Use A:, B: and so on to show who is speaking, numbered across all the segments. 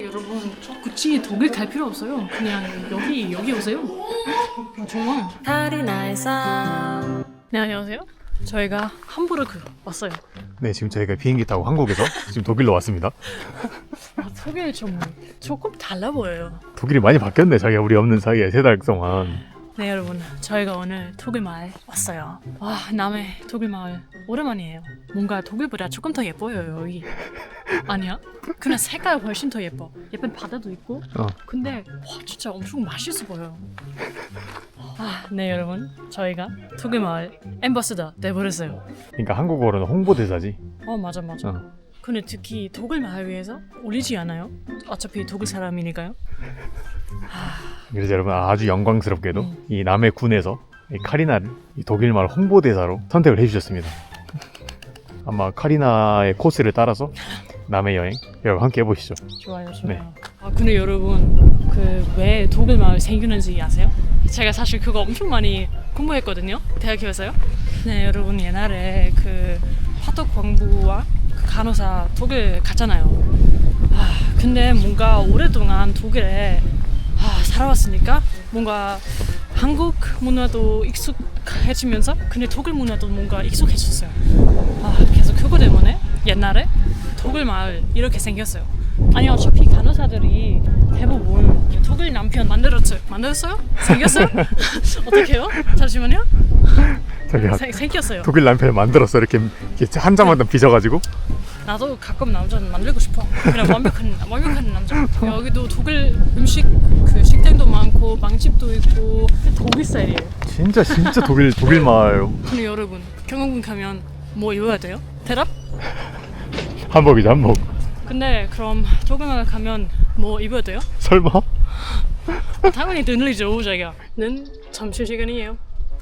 A: 여러분 굳이 독일 갈 필요 없어요. 그냥 여기 오세요. 정말. 네, 안녕하세요. 저희가 함부르크 왔어요.
B: 네, 지금 저희가 비행기 타고 한국에서 지금 독일로 왔습니다.
A: 독일 조금 달라 보여요.
B: 독일이 많이 바뀌었네, 자기가 우리 없는 사이에 3달 동안.
A: 네, 여러분, 저희가 오늘 독일 마을 왔어요. 와, 남해 독일 마을 오랜만이에요. 뭔가 독일보다 조금 더 예뻐요, 여기. 아니야? 그냥 색깔 훨씬 더 예뻐. 예쁜 바다도 있고. 근데 와, 진짜 엄청 맛있어 보여요. 네, 여러분, 저희가 독일 마을 앰버서더 돼버렸어요.
B: 그러니까 한국어로는 홍보대사지.
A: 맞아. 근데 특히 독일 마을 위해서 올리지 않아요? 어차피 독일 사람이니까요.
B: 그래서 여러분 아주 영광스럽게도 이 남해 군에서 이 카리나를 이 독일 마을 홍보대사로 선택을 해주셨습니다. 아마 카리나의 코스를 따라서 남해 여행 여러분 함께 해보시죠.
A: 좋아요.
B: 네.
A: 근데 여러분 그 왜 독일 마을 생기는지 아세요? 제가 사실 그거 엄청 많이 공부했거든요, 대학교에서요. 네, 여러분 옛날에 그 파독 광부와 그 간호사 독일 갔잖아요. 근데 뭔가 오랫동안 독일에 살아왔으니까 뭔가 한국 문화도 익숙해지면서 근데 독일 문화도 뭔가 익숙해졌어요. 그래서 그거 때문에 옛날에 독일 마을 이렇게 생겼어요. 아니 어차피 간호사들이 대부분 독일 남편 만들었어요? 생겼어요? 어떡해요? 잠시만요.
B: 자기가
A: 생겼어요.
B: 독일 남편을 만들었어. 이렇게 한 장만 더 빚어가지고.
A: 나도 가끔 남자는 만들고 싶어. 그냥 완벽한 남자. 여기도 독일 음식 그 식당도 많고 빵집도 있고 독일 스타일이에요.
B: 진짜 독일 마을.
A: 근데 여러분 경영군 가면 뭐 입어야 돼요? 대답?
B: 한복이죠, 한복.
A: 근데 그럼 독일 마을 가면 뭐 입어야 돼요?
B: 설마?
A: 당연히 늘리죠, 자기가.는 점심시간이에요.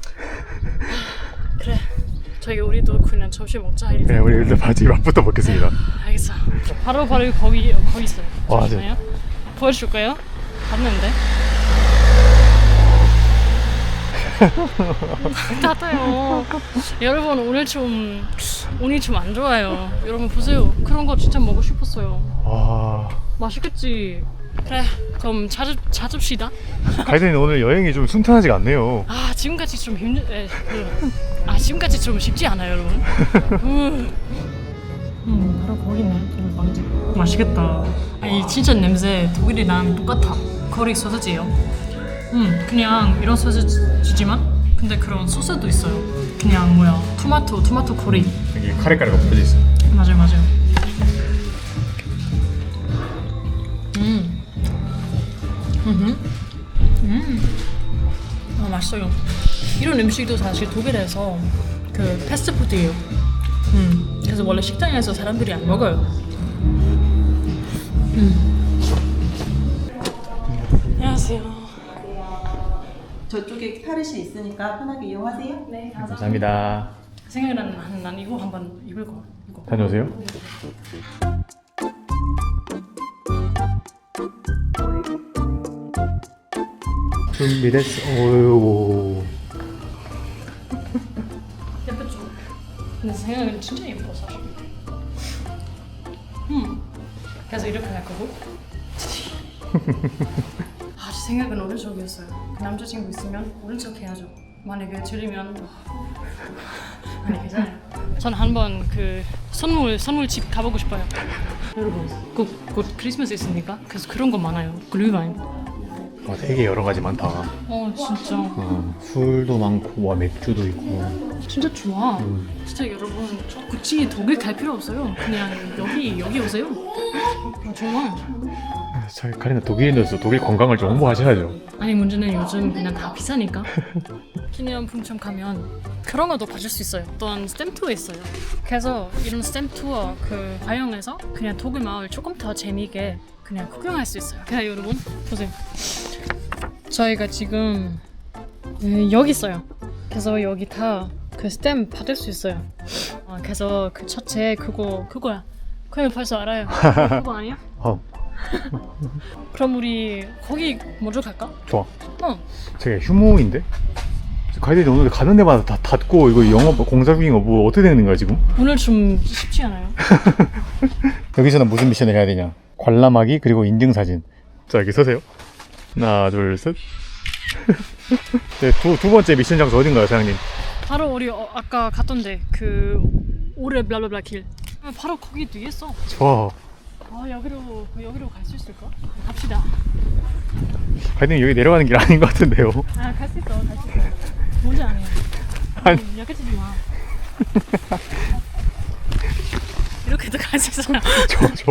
A: 그래, 우리도 그냥 점심 먹자.
B: 네, 우리 일단 바지 맛부터 먹겠습니다.
A: 알겠어. 바로 거기 있어요.
B: 와,
A: 잠시만요. 보여줄까요? 봤는데. 닫아요. 여러분 운이 좀 안 좋아요. 여러분 보세요. 그런 거 진짜 먹고 싶었어요.
B: 와.
A: 맛있겠지. 그래, 그럼 찾읍시다.
B: 가이드님 오늘 여행이 좀 순탄하지가 않네요.
A: 지금까지 좀 쉽지 않아요, 여러분. 바로 거기네. 독일 빵집. 맛있겠다. 아니 진짜 냄새 독일이랑 똑같아. 거리 소세지예요. 그냥 이런 소세지지만 근데 그런 소스도 있어요. 그냥 토마토 코리.
B: 여기 카레가루가 뿌려져 있어요.
A: 맞아요. 맛있어요. 이런 음식도 사실 독일에서 그 패스트푸드예요. 그래서 원래 식당에서 사람들이 안 먹어요. 안녕하세요.
C: 저쪽에 탈의실 있으니까 편하게 이용하세요.
A: 네,
B: 감사합니다.
A: 생각나는 난 이거 한번 입을 거. 이거.
B: 다녀오세요. 준비됐어. 오유.
A: 예쁘죠? 근데 생각은 진짜 예뻐 사실. 그래서 이렇게 할 거고. 제 생각은 오른쪽이었어요. 그 남자친구 있으면 오른쪽 해야죠. 만약에 들리면 아니 괜찮아요. 전 한번 그 선물집 가보고 싶어요. 여러분 곧 크리스마스 있으니까 그래서 그런 거 많아요. 글루바인.
B: 되게 여러 가지 많다.
A: 진짜.
B: 술도 많고, 맥주도 있고.
A: 진짜 좋아. 진짜 여러분 굳이 독일 갈 필요 없어요. 그냥 여기 오세요. 정말.
B: 저희 카리나 독일인으로서 독일 관광을 좀 홍보하셔야죠.
A: 아니 문제는 요즘 그냥 다 비싸니까. 기념품점 가면 그런 것도 봐줄 수 있어요. 또한 스탬 투어 있어요. 그래서 이런 스탬 투어 그 활용해서 그냥 독일 마을 조금 더 재미있게 그냥 구경할 수 있어요. 그냥 여러분 보세요. 저희가 지금 여기 있어요. 그래서 여기 다 그 스탬 받을 수 있어요. 그래서 그 첫째 그거야. 그냥 벌써 알아요. 그거 아니야? 그럼 우리 거기 먼저 갈까?
B: 좋아. 제가 휴무인데? 가이드님 오늘 가는 데마다 다 닫고 이거 영업 공사 중인 거 어떻게 되는 거야 지금?
A: 오늘 좀 쉽지 않아요?
B: 여기서는 무슨 미션을 해야 되냐? 관람하기 그리고 인증사진. 자, 여기 서세요. 하나, 둘, 셋. 네, 두 번째 미션 장소 어딘가요, 사장님?
A: 바로 우리 아까 갔던데 그 오래 블라블라 길. 바로 거기 뒤에 있어.
B: 좋아.
A: 여기로 갈 수 있을까? 갑시다.
B: 가이드님 여기 내려가는 길 아닌 것 같은데요.
A: 아, 갈 수 있어. 뭔지 아니야.
B: 아니.
A: 약해지지 마. 이렇게도 갈 수 있어.
B: 좋아.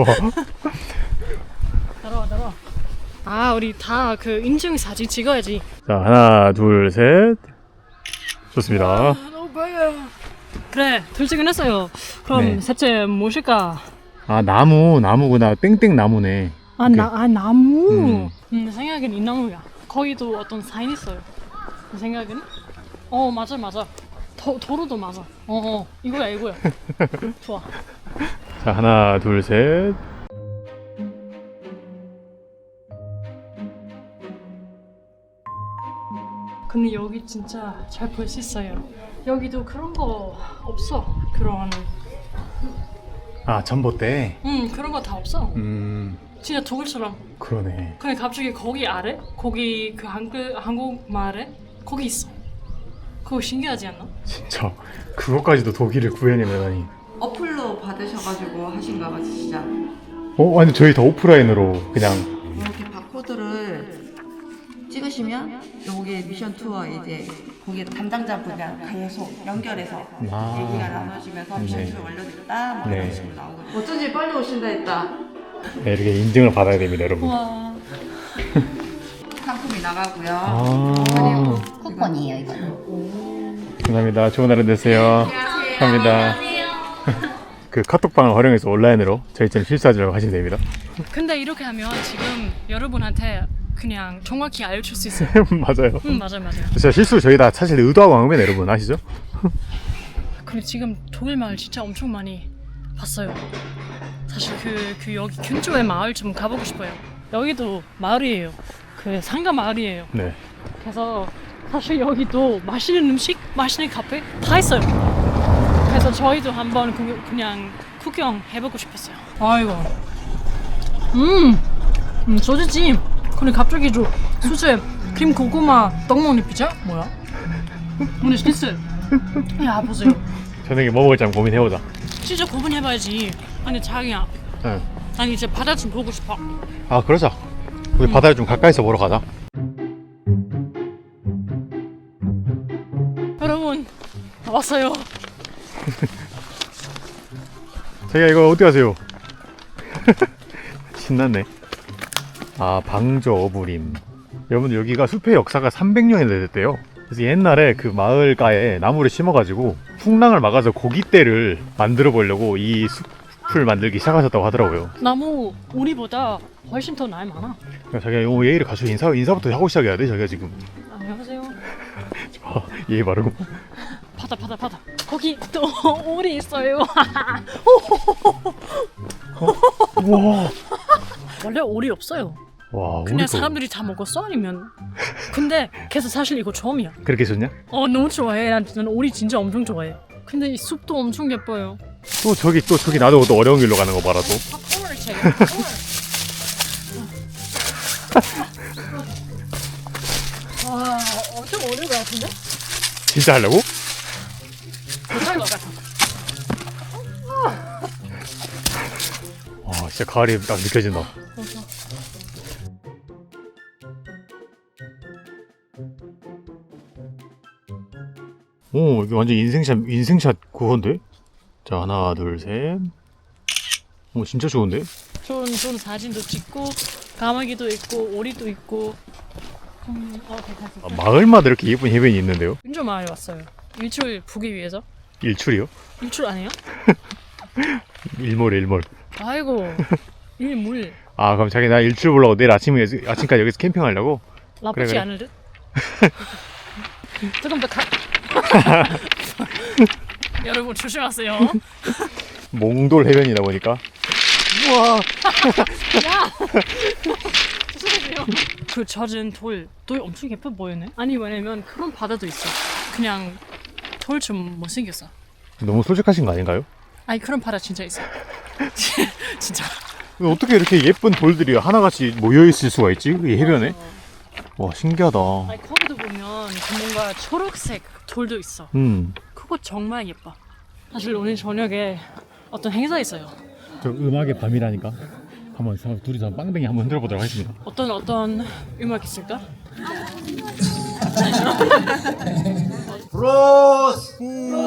A: 따라와. 아, 우리 다 그 인증 사진 찍어야지.
B: 자, 하나, 둘, 셋. 좋습니다.
A: 너무 빨려. 그래, 둘째긴 했어요. 그럼
B: 네.
A: 셋째 무엇일까?
B: 아, 나무구나. 땡땡 나무네.
A: 나무. 내 생각엔 이 나무야. 거기도 어떤 사인 있어요. 내 생각엔. 맞아. 도로도 맞아. 이거야. 좋아.
B: 자, 하나, 둘, 셋.
A: 근데 여기 진짜 잘 볼 수 있어요. 여기도 그런 거 없어. 그런
B: 아, 전봇대.
A: 그런 거 다 없어. 진짜 독일처럼.
B: 그러네.
A: 근데 갑자기 거기 아래? 거기 그 한국말에 거기 있어. 그거 신기하지 않나?
B: 진짜 그것까지도 독일을 구해내다니.
C: 어플로 받으셔가지고 하신가 봐 진짜.
B: 아니 저희 다 오프라인으로 그냥.
C: 이렇게 바코드를 찍으시면 여기 미션 투어 이제 거기 담당자분이랑 계속 연결해서 얘기가 나눠지면서 미션 투어 완료됐다 뭐
B: 네.
C: 이런 식으로 나오거든요. 어쩐지 빨리 오신다 했다.
B: 네, 이렇게 인증을 받아야 됩니다, 여러분.
A: 와.
C: 상품이 나가고요.
B: 아,
D: 쿠폰이에요, 이거는.
B: 감사합니다. 좋은 하루 되세요. 감사합니다. 그 카톡방을 활용해서 온라인으로 저희처럼 실수하지 하시면 됩니다.
A: 근데 이렇게 하면 지금 여러분한테 그냥 정확히 알려줄 수 있어요.
B: 맞아요.
A: 맞아요.
B: 진짜 실수 저희 다 사실 의도하고 한 겁니다, 여러분. 아시죠?
A: 근데 지금 독일 마을 진짜 엄청 많이 봤어요. 사실 그 여기 근처의 마을 좀 가보고 싶어요. 여기도 마을이에요. 그 상가 마을이에요.
B: 네.
A: 그래서 사실 여기도 맛있는 음식, 맛있는 카페 다 있어요. 그래서 저희도 한번 그냥 구경해보고 싶었어요. 아이고. 소주찜. 근데 갑자기 수제 크림 고구마 떡볶이 피자? 뭐야? 오늘 스니스. 야, 보세요.
B: 저녁에 뭐 먹을지 한번 고민해보자.
A: 진짜 고민해봐야지. 아니 자기야,
B: 응.
A: 난 이제 바다 좀 보고 싶어.
B: 아, 그러자. 우리 바다를 좀 가까이서 보러 가자.
A: 여러분, 왔어요.
B: 자기야, 이거 어디 가세요? 신났네. 아, 방조 어부림. 여러분들 여기가 숲의 역사가 300년이 됐대요. 그래서 옛날에 그 마을가에 나무를 심어가지고 풍랑을 막아서 고깃대를 만들어 보려고 이 숲을 만들기 시작하셨다고 하더라고요.
A: 나무 우리보다 훨씬 더 나이 많아.
B: 그러니까 자기가 요 예의를 갖춰 인사부터 하고 시작해야 돼. 자기가 지금
A: 안녕하세요.
B: 예의 바르고.
A: 바다. 거기 또 오리 있어요.
B: 우와.
A: 원래 오리 없어요.
B: 와,
A: 그냥
B: 우리도
A: 사람들이 다 먹었어 아니면? 근데 그래서 사실 이거 처음이야.
B: 그렇게 좋냐?
A: 너무 좋아해. 난 오리 진짜 엄청 좋아해. 근데 이 숲도 엄청 예뻐요.
B: 또 저기 나도 또 어려운 길로 가는 거 봐라 또.
A: 오늘 책. 와, 엄청 어려울 것 같은데?
B: 진짜 하려고?
A: 못할 것 같아.
B: 와, 진짜 가을이 딱 느껴진다. 오, 이게 완전 인생샷 그건데? 자, 하나, 둘, 셋. 오, 진짜 좋은데?
A: 좋은 사진도 찍고 가마귀도 있고 오리도 있고. 괜찮습니다.
B: 아, 마을마다 이렇게 예쁜 해변이 있는데요?
A: 인조 마을에 왔어요. 일출 보기 위해서.
B: 일출이요?
A: 일출 아니에요?
B: 일몰.
A: 아이고, 일물.
B: 아, 그럼 자기 나 일출 보려고 내일 아침까지 여기서 캠핑하려고?
A: 나쁘지
B: 그래.
A: 않을 듯? 조금 더 여러분 조심하세요.
B: 몽돌 해변이다 보니까. 우와.
A: 조심하세요. 그 젖은 돌 엄청 예뻐 보이네. 아니 왜냐면 그런 바다도 있어. 그냥 돌 좀 못생겼어.
B: 너무 솔직하신 거 아닌가요?
A: 아니 그런 바다 진짜 있어. 진짜.
B: 근데 어떻게 이렇게 예쁜 돌들이 하나같이 모여있을 수가 있지? 이 해변에? 와, 신기하다.
A: 아니 거기도 보면 그 뭔가 초록색 돌도 있어. 그거 정말 예뻐. 사실 오늘 저녁에 어떤 행사 있어요.
B: 저 음악의 밤이라니까. 한번 둘이서 빵댕이 한번 흔들어 보도록 하겠습니다.
A: 어떤 음악 있을까?
E: 브로스!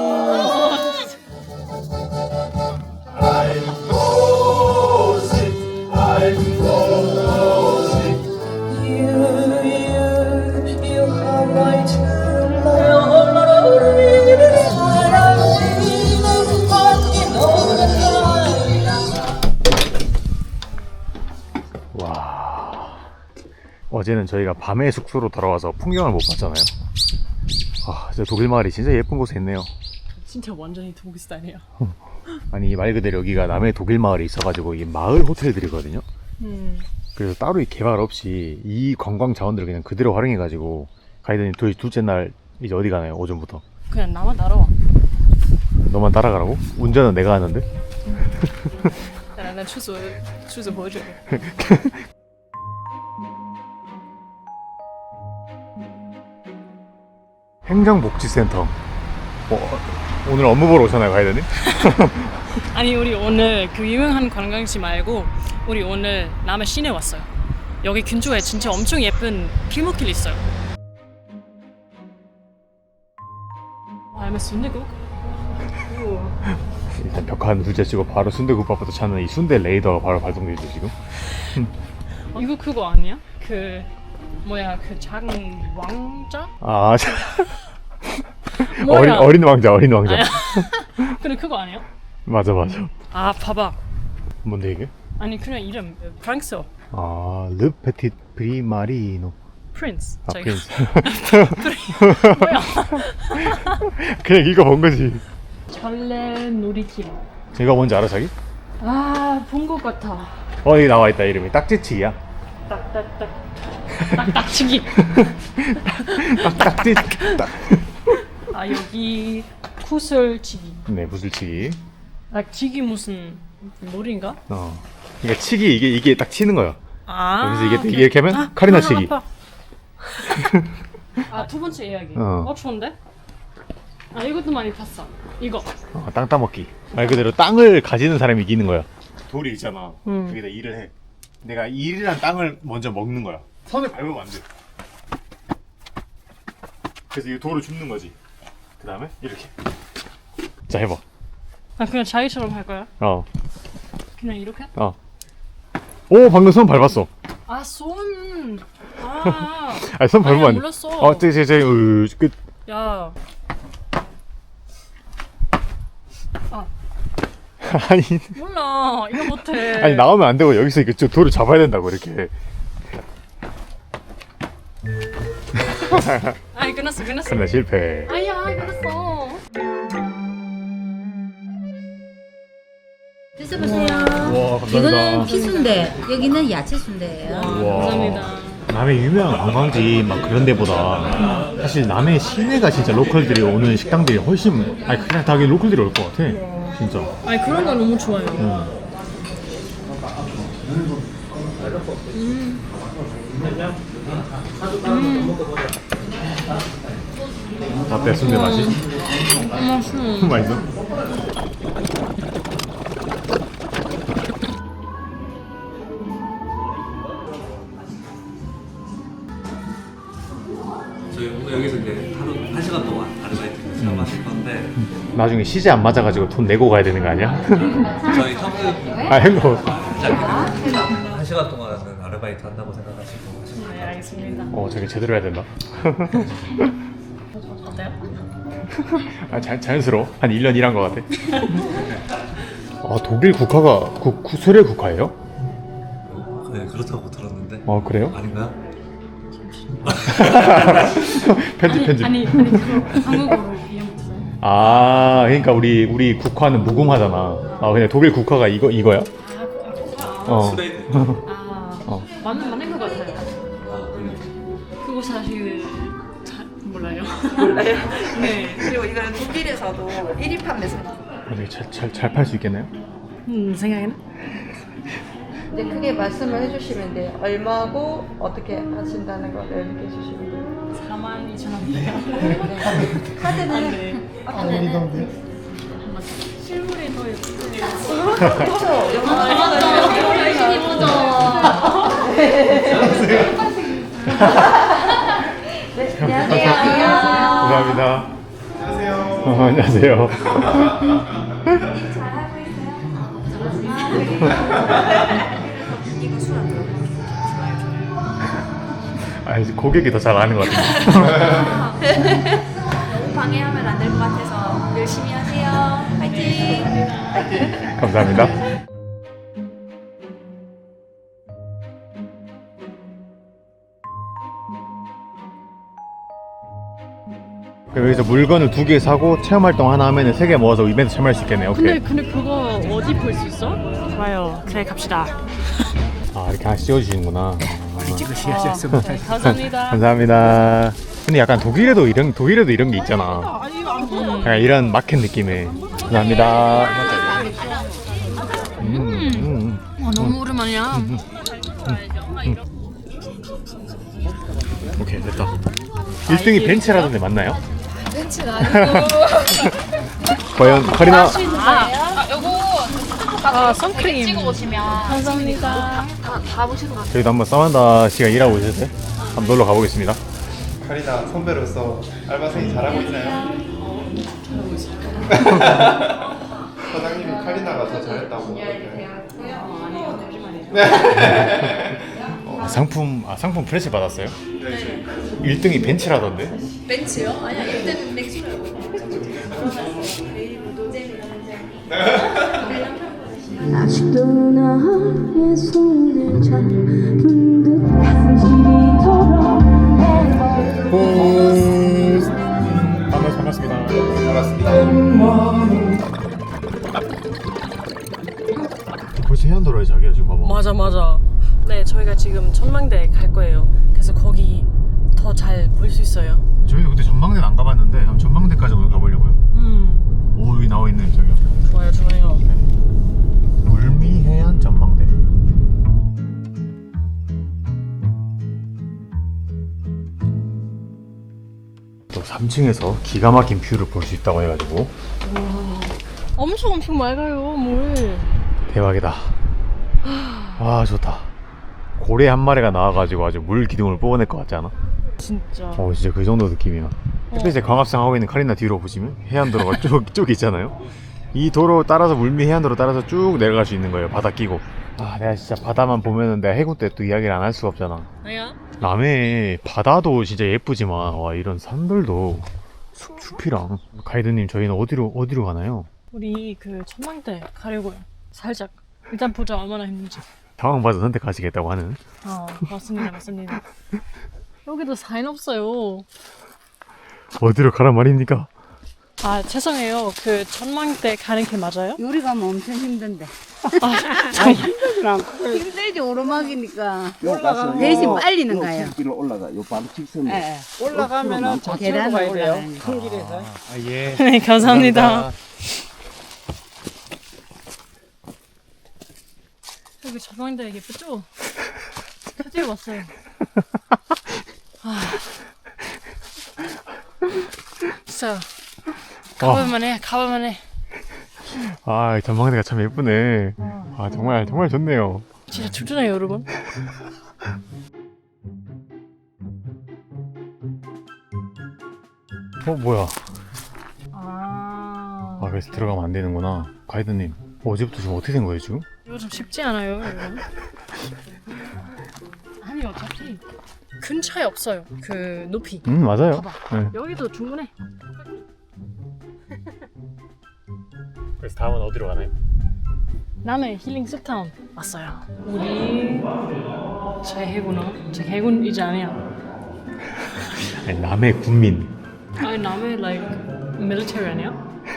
B: 와, 어제는 저희가 밤에 숙소로 돌아와서 풍경을 못 봤잖아요. 아, 진짜 독일 마을이 진짜 예쁜 곳에 있네요.
A: 진짜 완전히 독일 스타일이야.
B: 아니, 말 그대로 여기가 남해 독일 마을에 있어가지고 이 마을 호텔들이거든요. 그래서 따로 이 개발 없이 이 관광 자원들을 그냥 그대로 활용해가지고 가이드님 둘째 날 이제 어디 가나요? 오전부터?
A: 그냥 나만 따라와.
B: 너만 따라가라고? 운전은 내가 하는데?
A: 난 추수 보여줘.
B: 행정복지센터. 오늘 업무 보러 오셨나요, 가이드님?
A: 아니 우리 오늘 그 유명한 관광지 말고 우리 오늘 남해 시내 왔어요. 여기 근처에 진짜 엄청 예쁜 길목길 있어요. 알면 순대국?
B: 일단 벽한 둘째 치고 바로 순대국밥부터 찾는 이 순대 레이더가 바로 발동돼 있죠 지금.
A: 이거 그거 아니야? 그 뭐야 그 작은 왕자?
B: 아,
A: 뭐야?
B: 어린 왕자.
A: 근데 그거 아니야?
B: 맞아.
A: 아 봐봐.
B: 뭔데 이게?
A: 아니 그냥 이름 프랑스어.
B: 아, 르 페티트 프리마리노.
A: 프린스.
B: 아,
A: 저기.
B: 프린스.
A: 뭐야?
B: 그냥 읽어본 거지.
A: 전래 놀이길.
B: 이거 뭔지 알아, 자기?
A: 본 것 같아.
B: 여기 나와 있다. 이름이 딱지치기야.
A: 딱딱치기.
B: 딱지.
A: 아 여기 구슬치기.
B: 네, 구슬치기.
A: 치기 무슨 놀이인가?
B: 그러니까 치기 이게 딱 치는 거야.
A: 아.
B: 그래서 이게 이렇게 하면 카리나 치기.
A: 두 번째 이야기.
B: 어.
A: 좋은데? 이것도 많이 봤어. 이거.
B: 땅 따먹기. 말 그대로 땅을 가지는 사람이 이기는 거야. 돌이 있잖아. 여기다 일을 해. 내가 일이란 땅을 먼저 먹는 거야. 선을 밟으면 안 돼. 그래서 이 돌을 줍는 거지. 그 다음에 이렇게. 자, 해봐.
A: 그냥 자기처럼 할 거야? 그냥 이렇게?
B: 오, 방금 손 밟았어.
A: 손.
B: 아니, 손 밟으면 안 돼.
A: 몰랐어.
B: 끝.
A: 야.
B: 아니,
A: 몰라. 이거 못해.
B: 아니 나오면 안 되고 여기서 이거 돌을 잡아야 된다고 이렇게.
A: 끝났어.
B: 그러나 실패.
A: 끝났어.
D: 드셔보세요.
B: 와, 감사합니다.
D: 이거는 피순대, 여기는 야채 순대예요.
B: 와.
A: 감사합니다.
B: 남해 유명한 관광지 막 그런 데보다 사실 남해 시내가 진짜 로컬들이 오는 식당들이 훨씬 그냥 다 로컬들이 올 것 같아. 진짜.
A: 그런 거 너무 좋아요.
B: 어때, 순대 맛이? 맛있어?
E: 저희 오늘 여기서 이제 하루 1시간 동안 아르바이트 체험하실 건데
B: 나중에 시제 안 맞아가지고 돈 내고 가야 되는 거 아니야?
E: 저희 현금
B: 행거.
E: 1시간 동안은 아르바이트 한다고 생각하시고 하시면
A: 네,
E: 돼요.
A: 알겠습니다.
B: 저게 제대로 해야 된다.
A: 어때요?
B: 자연스러워. 한 1년 일한 것 같아. 독일 국화가 수레 국화예요?
E: 네, 그렇다고 들었는데
B: 그래요?
E: 아닌가요?
B: 편집.
A: 아니 그거 한국어로 이해 못했어요.
B: 그러니까 우리 국화는 무궁화잖아. 근데 독일 국화가 이거야?
E: 스웨이드
A: 맞는 것 같아요. 그거 사실 몰라요. 네.
C: 그리고 이거는 독일에서도 1위 판매상.
B: 되게 잘 팔 수 있겠나요?
A: 생각에는?
C: 이제 크게 말씀을 해주시면 돼요. 얼마고 어떻게 하신다는 걸 이렇게 해주시면 돼요.
A: 42,000원이요.
C: 카드는
A: 실물이 더 예쁘세요.
C: 네, 안녕하세요.
B: 감사합니다. 안녕하세요. 아니 고객이 더 잘 아는 것 같은데.
F: 방해하면 안 될 것 같아서 열심히 하세요. 파이팅!
B: 감사합니다. 그럼 여기서 물건을 2개 사고 체험 활동 하나 하면 3개 모아서 이벤트 참여할 수 있겠네요. 오케이.
A: 근데 그거 어디 볼 수 있어? 좋아요. 그래 갑시다.
B: 아 이렇게 하나씩 씌워주시는구나.
A: 네, 감사합니다.
B: 감사합니다. 근데 약간 독일에도 이런 게 있잖아. 약간 이런 마켓 느낌의. 감사합니다.
A: 너무 오랜만이야.
B: 오케이 됐다. 1등이 벤츠라던데 맞나요?
F: 벤츠가 아니고
B: 과연 카리나
A: 선크림.
F: 찍어 오시면
A: 감사합니다.
F: 다 보시는 것 같아요.
B: 저희도 한번 사만다 씨가 일하고 있을 때 한번 놀러 가보겠습니다.
G: 카리나 선배로서 알바생이 잘하고 있나요? 사장님이 카리나가 더 잘했다고
B: 상품 프레시 받았어요? 네. 1등이 벤츠라던데?
F: 벤츠요? 아니야 1등은 맥주.
H: 아직도 나의 손을 잡은 듯한 시리처럼
B: 반갑습니다. 벌써 해안도로에 자기야 지금 봐봐.
A: 맞아. 네, 저희가 지금 전망대 갈 거예요. 그래서 거기 더 잘 볼 수 있어요.
B: 저희도 그때 전망대는 안 가봤는데 한번 전망대까지 오늘 가보려고요. 오 여기 나와 있네 저기요.
A: 좋아요.
B: 물미 해안 전망대. 또 3층에서 기가 막힌 뷰를 볼 수 있다고 해가지고
A: 엄청 맑아요, 물.
B: 대박이다. 와 좋다. 고래 한 마리가 나와가지고 아주 물 기둥을 뽑아낼 것 같지 않아?
A: 진짜.
B: 진짜 그 정도 느낌이야. 햇빛에 광합성 하고 있는 카리나 뒤로 보시면 해안도로가 쭉 있잖아요. 이 도로 따라서 물미 해안도로 따라서 쭉 내려갈 수 있는 거예요. 바다 끼고. 내가 진짜 바다만 보면은 내가 해군 때 또 이야기를 안 할 수가 없잖아.
A: 내가
B: 남해 바다도 진짜 예쁘지만 와 이런 산들도 숲이랑. 가이드님 저희는 어디로 가나요?
A: 우리 그 전망대 가려고요. 살짝 일단 보자 얼마나 힘든지.
B: 상황 봐서 선택하시겠다고 하는.
A: 맞습니다. 여기도 사인 없어요.
B: 어디로 가란 말입니까?
A: 죄송해요. 그 전망대 가는 길 맞아요?
D: 요리 가면 엄청 힘든데. 힘들지 오르막이니까. 대신 빨리는 가요.
I: 길로 올라가. 요 바로 직선으로.
D: 예.
I: 올라가면은
D: 계단 올라가요.
I: 큰 길에서.
B: 예.
A: 네, 감사합니다. 여기 전망대 예쁘죠? 드디어 왔어요. 진짜 가볼만해.
B: 전망대가 참 예쁘네. 정말 좋네요.
A: 진짜 춥잖아요, 여러분.
B: 뭐야? 그래서 들어가면 안 되는구나. 가이드님, 어제부터 지금 어떻게 된 거예요, 지금?
A: 이거 좀 쉽지 않아요, 여러분. 아니, 어차피 큰 차이 없어요. 그 높이.
B: 맞아요.
A: 봐봐.
B: 네.
A: 여기도 충분해.
B: 그래서 다음은 어디로 가나요?
A: 남해 힐링 숲타운 왔어요. 우리 제 해군 이제 아니야.
B: 아니, 남해 군민.
A: 아니 남해 like military 아니야?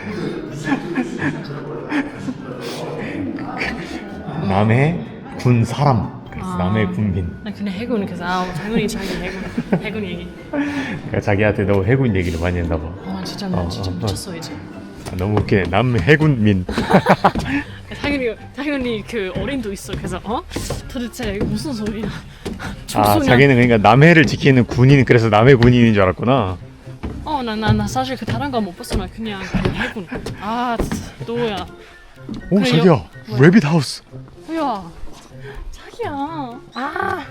B: 남해 군 사람. 그래서 남해 군민.
A: 나 그냥 해군 그래서 당연히 자기 해군 얘기.
B: 그러니까 자기한테 너 해군 얘기를 많이 했나 봐.
A: 진짜 나 진짜 미쳤어 이제.
B: 너무 웃기네. 남해군민.
A: 자기 당연히 그 어린도 있어. 그래서 도대체 이게 무슨 소리야?
B: 아
A: 청소년.
B: 자기는 그러니까 남해를 지키는 군인 그래서 남해 군인인 줄 알았구나.
A: 나 사실 그 다른 거 못 봤어. 나 그냥 그 해군. 아 진짜 너야.
B: 오
A: 그래요?
B: 자기야 래빗 하우스.
A: 야 자기야. 아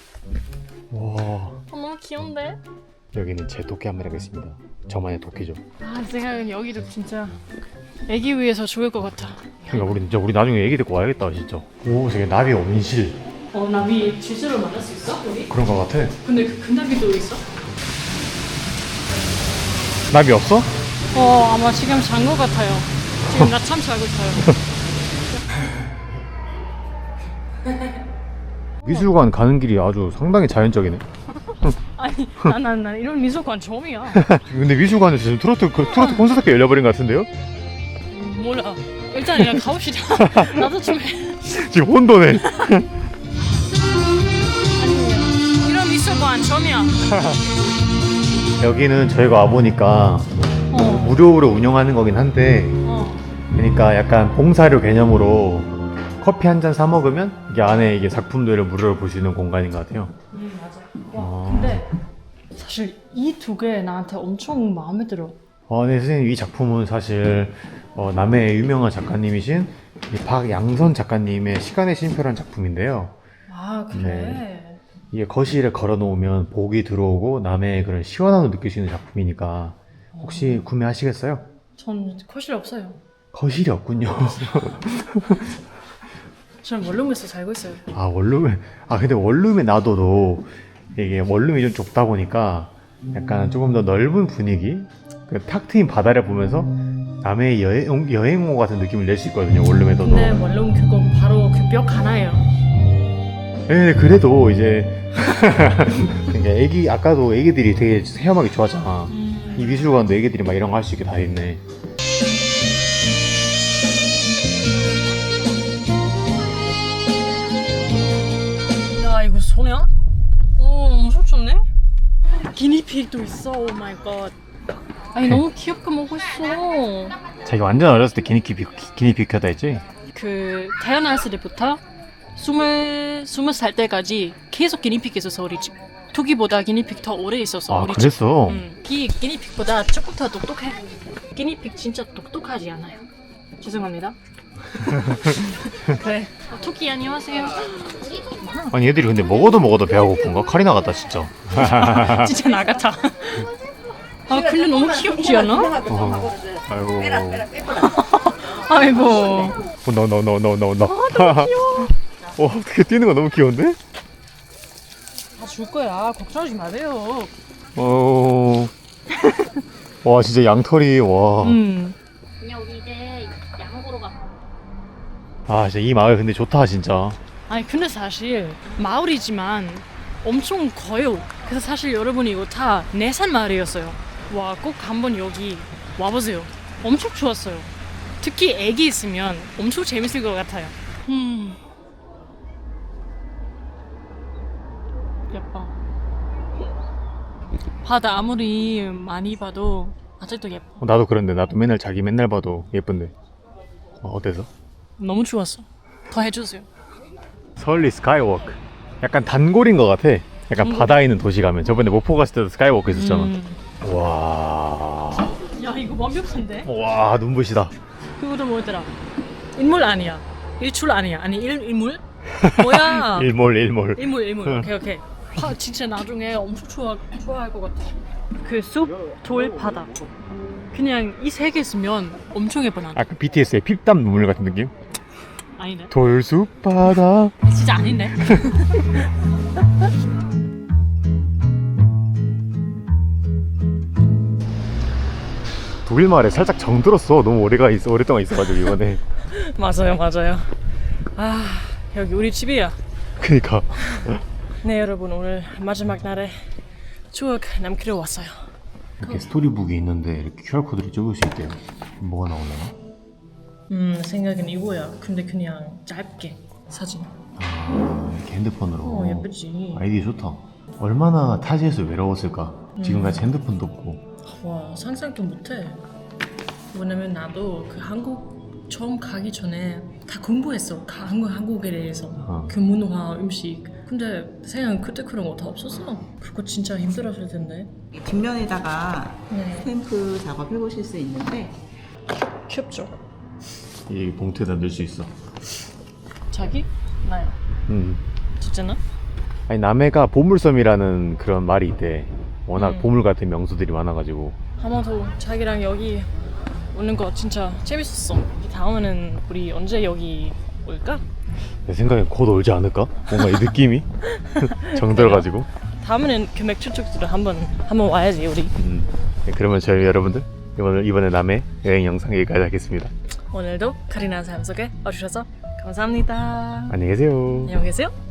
B: 와
A: 너무 귀여운데?
B: 여기는 제 토끼 한번 하겠습니다. 저만의 토끼죠.
A: 아 내가 여기도 진짜 애기 위해서 죽을 것 같아.
B: 그러니까 우리 나중에 애기 데리고 와야겠다 진짜. 오 저기 나비 온실
A: 나비 실제로 만날 수 있어? 우리?
B: 그런 거 같아.
A: 근데 그 금나비도 있어?
B: 나비 없어?
A: 아마 지금 잔 것 같아요. 지금 낮잠 자고 있어요.
B: 미술관 가는 길이 아주 상당히 자연적이네.
A: 아니 난 이런 미술관 처음이야.
B: 근데 미술관에서 지금 트로트 콘서트가 열려버린 것 같은데요?
A: 몰라. 일단 그냥 가봅시다. 나도 좀 해.
B: 지금 혼돈해.
A: 이런 미술관 처음이야.
B: 여기는 저희가 와보니까 무료로 운영하는 거긴 한데 그러니까 약간 봉사료 개념으로 커피 한 잔 사 먹으면 이게 안에 이게 작품들을 무료로 볼 수 있는 공간인 것 같아요.
A: 맞아. 와 근데 사실 이 두 개 나한테 엄청 마음에 들어.
B: 네 선생님 이 작품은 사실 남해의 유명한 작가님이신 이 박양선 작가님의 시간의 쉼표라는 작품인데요.
A: 아 그래?
B: 네. 이게 거실에 걸어 놓으면 복이 들어오고 남해의 그런 시원함을 느낄 수 있는 작품이니까 혹시 구매하시겠어요?
A: 전 거실 없어요.
B: 거실이 없군요.
A: 저는 원룸에서 살고 있어요.
B: 원룸에 근데 원룸에 놔둬도 이게 원룸이 좀 좁다 보니까 약간 조금 더 넓은 분위기 그 탁 트인 바다를 보면서 남해의 여행호 같은 느낌을 낼 수 있거든요 원룸에 둬도.
A: 근데 원룸 그거 바로 그 벽 하나예요.
B: 네 그래도 이제 그러니까 아까도 애기들이 되게 헤엄하기 좋아하잖아. 이 미술관도 애기들이 막 이런 거 할 수 있게 다 있네.
A: 야 이거 소냐? 엄청 좋네? 기니픽도 있어. 오 마이 갓. 아니 너무 귀엽게 먹고 있어.
B: 자기 완전 어렸을 때 기니픽 켜다 했지?
A: 그 태어났을 때부터 20살 때까지 계속 기니픽에서 우리 집 토끼보다 기니픽 더 오래 있었어. 우리
B: 그랬어?
A: 집. 기니픽보다 조금 더 똑똑해. 기니픽 진짜 똑똑하지 않아요. 죄송합니다. 그래. 토끼 안녕하세요.
B: 아니 얘들이 근데 먹어도 배가 고픈가? 카리나 같다 진짜.
A: 진짜 나 같아. 근데 너무 귀엽지 않아?
B: 아이고.
A: 아이고.
B: 너. 어떻게 뛰는 거 너무 귀여운데?
A: 줄 거야. 걱정하지 마세요.
B: 와 진짜 양털이 와.
F: 그냥 우리 이제 약 먹으러 가.
B: 진짜 이 마을 근데 좋다 진짜.
A: 아니 근데 사실 마을이지만 엄청 커요. 그래서 사실 여러분 이거 다 내산 마을이었어요. 와 꼭 한번 여기 와보세요. 엄청 좋았어요. 특히 애기 있으면 엄청 재밌을 것 같아요. 예뻐. 바다 아무리 많이 봐도 아직도 예뻐.
B: 나도 그런데 나도 자기 맨날 봐도 예쁜데. 어때서?
A: 너무 좋았어. 더 해주세요.
B: 서울리 스카이워크. 약간 단골인 것 같아. 약간 바다에 있는 도시 가면. 저번에 목포 갔을 때도 스카이워크 있었잖아. 와.
A: 야 이거 완벽한데?
B: 와 눈부시다.
A: 그거도 뭐더라? 인물 아니야. 일출 아니야. 아니 일물? 뭐야?
B: 일몰.
A: 일물. 오케이. 진짜 나중에 엄청 좋아할 것 같아. 그 숲, 돌, 바다. 그냥 이 세 개 있으면 엄청 예뻐 난.
B: 아까 BTS의 핍담 눈물 같은 느낌?
A: 아니네.
B: 돌숲 바다.
A: 진짜 아닌데.
B: 독일 마을에 살짝 정들었어. 너무 오랫동안 있어가지고 이번에.
A: 맞아요. 여기 우리 집이야.
B: 그니까.
A: 네 여러분 오늘 마지막 날에 추억 남기러 왔어요.
B: 이렇게 스토리북이 있는데 이렇게 QR코드를 찍을 수 있대요. 뭐가 나오려나?
A: 생각은 이거야. 근데 그냥 짧게 사진.
B: 이렇게 핸드폰으로.
A: 예쁘지.
B: 아이디어 좋다. 얼마나 타지에서 외로웠을까. 지금까지 핸드폰도 없고.
A: 와 상상도 못해. 왜냐면 나도 그 한국 처음 가기 전에 다 공부했어. 한국에 대해서 그 문화, 음식. 근데 생각은 그때 그런 거 다 없었어. 그거 진짜 힘들었을 텐데.
C: 뒷면에다가
A: 네.
C: 스탬프 작업해 보실 수 있는데
A: 귀엽죠?
B: 이 봉투에다 넣을 수 있어.
A: 자기? 나요. 진짜나?
B: 아니 남해가 보물섬이라는 그런 말이 있대. 워낙 보물 같은 명소들이 많아가지고.
A: 아마도 자기랑 여기 오는 거 진짜 재밌었어. 다음에는 우리 언제 여기 올까?
B: 내 생각엔 곧 올지 않을까? 뭔가 이 느낌이 정들어가지고.
A: 다음에는 그 맥주 쪽들을 한번 와야지 우리.
B: 네, 그러면 저희 여러분들 이번에 남해 여행 영상 여기까지 하겠습니다.
A: 오늘도 카리나 삶 속에 와주셔서 감사합니다.
B: 안녕히 계세요.
A: 안녕히 계세요.